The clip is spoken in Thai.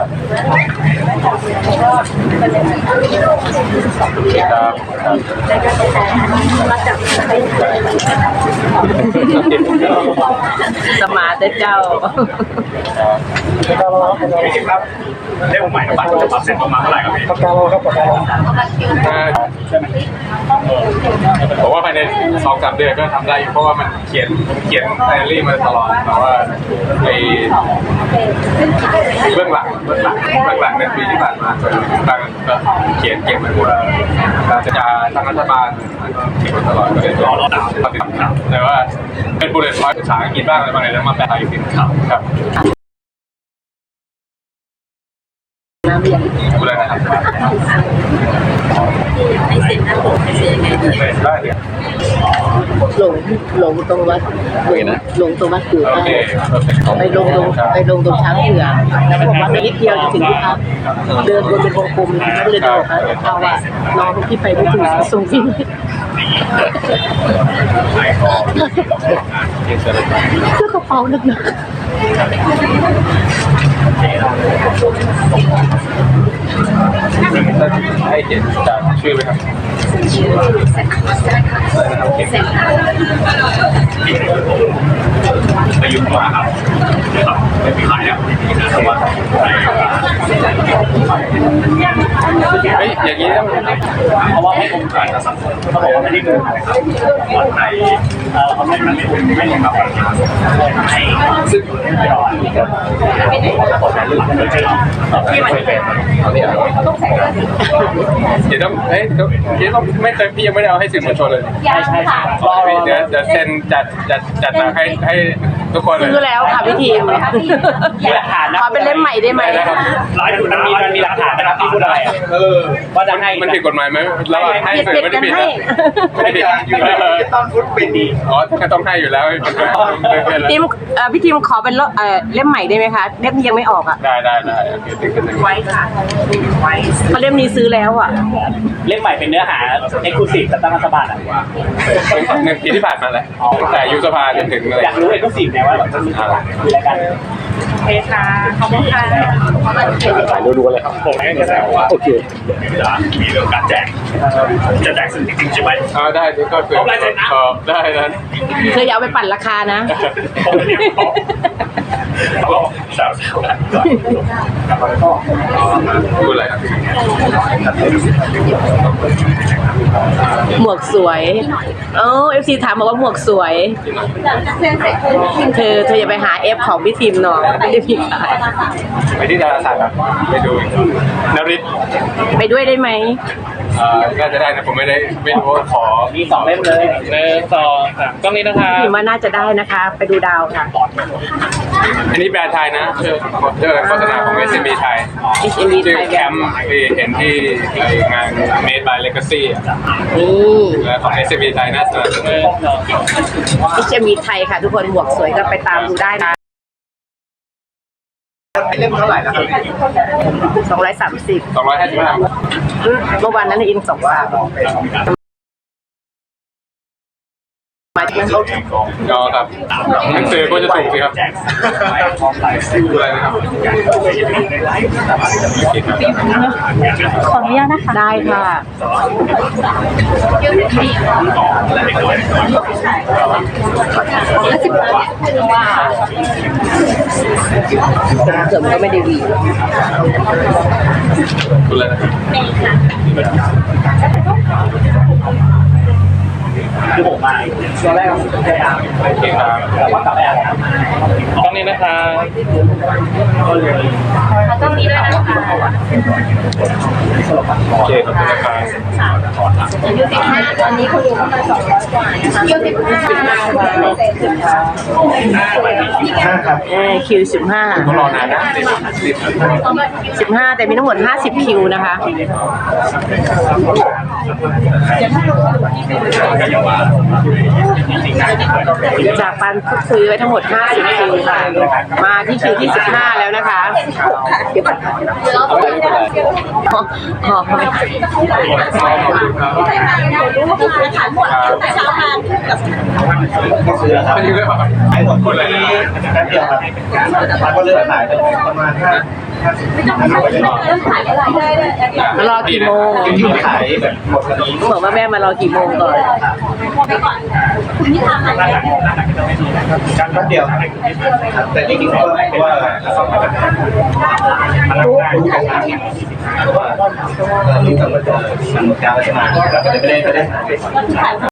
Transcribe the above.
สมาร์ทเจ้าครับเรียกผมใหม่บัตรจะปรับเสร็จประมาณเท่าไหร่ครับพี่ประกันผมว่าภายใน2-3 เดือนก็ทำได้อยู่เพราะว่ามันเขียนไดอารี่มาตลอดแต่ว่าไอ้เบื้องหลังในปีที่ผ่านมาส่วนต่างก็เขียนเก็บมาหมดการจัดการทางรัฐบาลเขียนมาตลอดก็เลยรอติดตามแต่ว่าเป็นบุลเลต์พอยต์ภาษาอังกฤษบ้างอะไรบางอย่างแล้วมาแปลอีกทีครับดูแลนะครับไม่เสร็จนะผมไม่เสร็จยังไงได้เลยหลงตรงวัดหลงตรงวัดเกือไปลงตรงช้างเผือกแล้วบอกว่านิดเดียวจะถึงที่พักเดินวนเป็นวงกลมก็เลยบอกเขาว่าน้องที่ไปไม่ถึงส่งที่เสื้อกระเป๋าหนักให้เขียนจากชื่อไหมครับประยุกต์มาครับไม่มีขายแล้วเฮ้ยอย่างนี้ต้องเพราะว่าให้ผมขายสังคมเขาบอกว่าไม่ได้เงินครับวันไหนเขาไม่ลงกับซึ่งไม่รอที่มันเป็นเดี๋ยวต้องไม่เคยพี่ยังไม่ได้เอาให้สื่อมวลชนเลยใช่เดี๋ยวเซ็นจัดมาให้ทุกคนเลยซื้อแล้วค่ะพี่ทีมมีหลักฐานนะขอเป็นเล่มใหม่ได้ไหมมันมีหลักฐานนะครับที่พูดอะไรว่าจะให้มันผิดกฎหมายไหมแล้วให้สื่อไม่ได้ผิดนะไม่ผิดอยู่แล้วต้องฟุตเป็นดีอ๋อก็ต้องให้อยู่แล้วทีมพี่ทีมขอเป็นเล่มใหม่ได้ไหมคะเล่มนี้ยังไม่ออกอ่ะได้โอเคไว้ค่ะเพราะเล่มนี้ซื้อแล้วอ่ะเล่มใหม่เป็นเนื้อหาเอ็กซ์คลูซีฟกับตั้งรัฐบาลอ่ะ 1 ปีที่ผ่านมาแล้วแต่ยุบสภาจนถึงเลยอยากรู้เอ็กซ์คลูซีฟไงว่าแบบจะมีอะไรกันเอค่ะขอบคุณค่ะถ่ายดูเลยครับผมให้กระแสว่าโอเคมีเรื่องการแจกจะแจกสิ่งจริงใช่ไหมได้ก็คือได้นั้นเธออย่าเอาไปปั่นราคานะพูดอะไรครับหมวกสวยFC ถามบอกว่าหมวกสวยเธออย่าไปหา F ของพี่ทีมหน่อยไม่ได้พี่ขายไปที่ดาราศาสตร์ครับไปดูนฤทธิ์ไปด้วยได้ไหมน่าจะได้นะผมไม่รู้ขอมี2 เล่มเลย 1 2 3กล้องนี้นะคะพี่ว่าน่าจะได้นะคะไปดูดาวค่ะอันนี้แบรนด์ไทยนะเรื่องโฆษณาของ SME ไทย SME ไทยแคมป์เห็นที่งาน Made by Legacy แล้วของ SME ไทยน่าจะ SME ไทยค่ะทุกคนหมวกสวยก็ไปตามดูได้นะเล่มเท่าไหร่นะครับ 230 255 เมื่อวานนั้นอิน2 บาทครับหนังสือก็จะถูกสิครับดูอะไรนะครับขออนุญาตนะคะได้ค่ะเสริมก็ไม่ได้ดีดูอะไรนะครับคือผมมาตอนแรกผมพยายามโอเคครับแต่ว่ากลับไปอ่านต้องนี้นะครับต้องนี้ด้วยนะคะโอเคขอบคุณนะครับอายุ15ตอนนี้คุณลุงเข้ามา200 กว่านะคะคิว15ครับคิว15 ต้องรอนานนะ 15แต่มีทั้งหมด50คิวนะคะจากการพูดคุยไว้ทั้งหมด50คิวค่ะมาที่คิวที่15แล้วนะคะขอไปขันหมดแต่เช้ามากับไม่ยืดเลยป่ะไอ้หมดคนเลยแป๊บเดียวครับก็เลือกขายประมาณ5 มารอกี่โมงที่ขายแบบหมดวันนี้บอกว่าแม่มารอกี่โมงก่อนการแป๊บเดียวครับแต่จริงๆเพราะว่าลูกกับมันจะมาเราก็จะไม่ได้